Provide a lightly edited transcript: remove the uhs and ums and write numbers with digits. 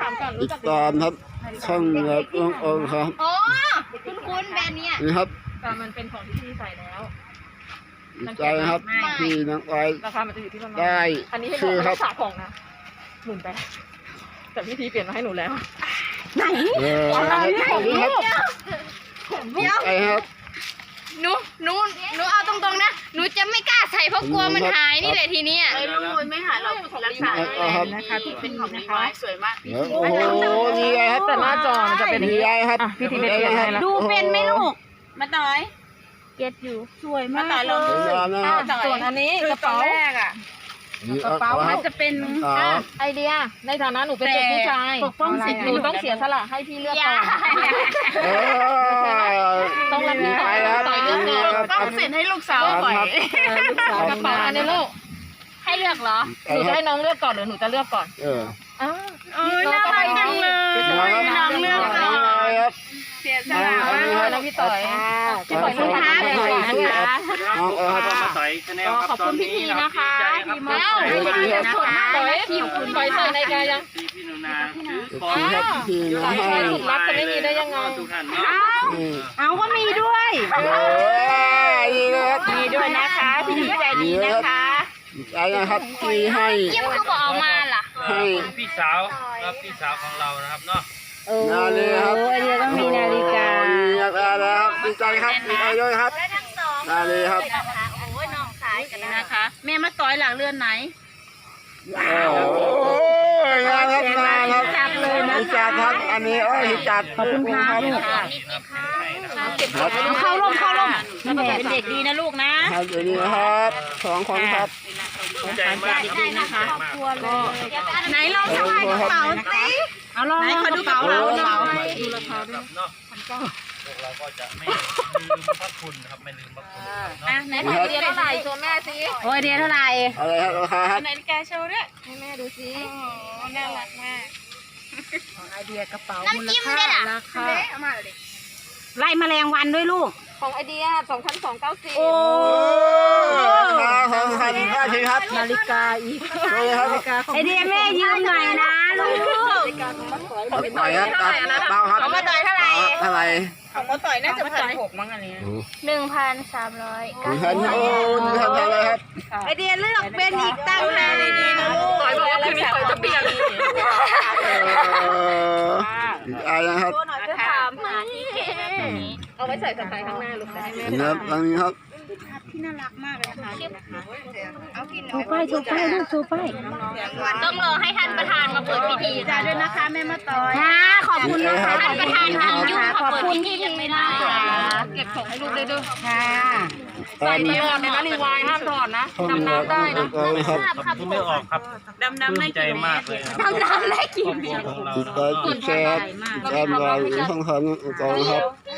ามก่อนติดตามครับช่องครับน้องโอมครับอ๋อคุณแบรนด์เนี้ยนี่ครับแต่มันเป็นของที่พี่ใส่แล้วดีใจนะครับที่น้องไอราคามันจะอยู่ที่ประมาณได้อันนี้ให้บชื่ออก ครับรักษาของนะ18,000แต่พี่ทีเปลี่ยนมาให้หนูแล้วอะไรนี่ครับดีใจครับหนูเอาตรงๆนะหนูจะไม่กล้าใส่เพราะกลัวมันหายนี่แหละทีเนี้ยไม่หายเรารักษานะคะที่เป็นของดีไม้สวยมากโอ้โหดีใจครับแต่หน้าจอมันจะเป็นอย่างดีนี้ใจครับอ่ะพี่ทีเปลี่ยนให้แล้วดูเป็นไหมลูกมาต่อยเก็ตอยู่สวยมากเลยสวยงามนะครับส่วนอันนี้คืกอระตอเป๋านแรกอ่ะนี่กระเป๋าคมัรันบจะเป็นไอเดียในฐานะหนูเป็นเด็กผู้ชายปกป้องสิทธิ์หนูต้องเสียสละให้พี่เลือกก่อน ต้องรับดีผิดชใจอบครับต่อยเลือกก่อนต้องสิทธิ์ให้ลูกสาวปล่อยกระเป๋าอันนี้ลูกให้เลือกเหรอหนูจะให้น้องเลือกก่อนหรือหนูจะเลือกก่อนเออน่ารักจังเลย น้องเลือกก่อนครับเสียสละมากแล้วพี่ต่อยพี่ต่อยขอบคุณค่ะน้องครับมาต่อยชาแนลครับขอบคุณพี่ทีนะคะดีมากแล้วต่อยทีมคุณต่อยใส่ในกายังพี่หนูนาซื้อขขออบงคุณครับที่น้องให้ถูกรับจะไม่มีได้ยังไงทุกท่านเนาะเอาก็มีด้วยดีนะครับมีด้วยนะคะพี่ดีใจดีนะคะดีใจนะครับที่ให้เยี่ยมคือบอกเอามาล่ะให้พี่สาวครับพี่สาวของเรานะครับเนาะนาฬิกาครับอันนี้ต้องมีนาฬิกาดีครับดีใจครับดีใจด้วยครับนาฬิกาครับโอ้ยน้องสายกันนะคะ แม่มาต่อยหลังเรือนไหนโอ้ยงานครับงานครับจัดเลยนะจัดครับอันนี้จัดขอบคุณครับเอาเข้าร่มเป็นเด็กดีนะลูกนะครับเดี๋ยวนี้นะครับ2 คนครับใจมากดีนะคะไหนลองสะพายกระเป๋าสิเอาลองเขาดูกระเป๋าหน่อยดูราคาด้วยเนาะพวกเราก็จะไม่ลืมพระคุณนะครับไม่ลืมพระคุณเนาะอ่ะไหนถ่ายเดียวเท่าไหร่โชว์แม่สิโอ้ยเดียเท่าไหร่อะไรครับราคาครับนาฬิกาโชว์ด้วยให้แม่ดูสิน่ารักมากไอเดียกระเป๋าน้ำจิ้มด้วยล่ะราคาไล่แมลงวันด้วยลูกของไอเดีย2,290 โอ้ของใครได้ทีครับนาฬิกาอีกเลยครับไอเดียแม่ยืมหน่อยนะลูกไปครับเบาครับของมาต่อยเท่าไหร่เท่าไหร่ของมาต่อยน่าจะ1,600มั้งอันนี้ 1,300 ดูท่านโอ้ดูท่านอะไรครับไอเดียเลือกเป็นอีกตั้งหากดีๆนะลูกต่อยบอกว่าคืนนี้ต่อยจะเปลี่ยนอะไรนะครับจะถามหาที่เขตแบบนี้เอาไว้ใส่สะพายข้างหน้าลูกจะให้แม่นะครับตรงนี้ครับที่น่ารักมากเลยนะคะต้องรอให้ท่านประธานมาเปิดพิธีจ่ายด้วยนะคะแม่มาต่อยค่ะขอบคุณนะคะท่านประธานทำยุ่งขอบคุณที่ยังไม่ได้เก็บของให้ลูกได้ด้วยค่ะใส่ตลอดเลยนะรีวายห้ามถอดนะดำน้ำได้นะครับครับคุณไม่ออกครับดำน้ำได้ใจมากเลยดำน้ำได้กี่ครอบครัวของเราติดตามติดแชร์การวางช่องทางต่างๆครับ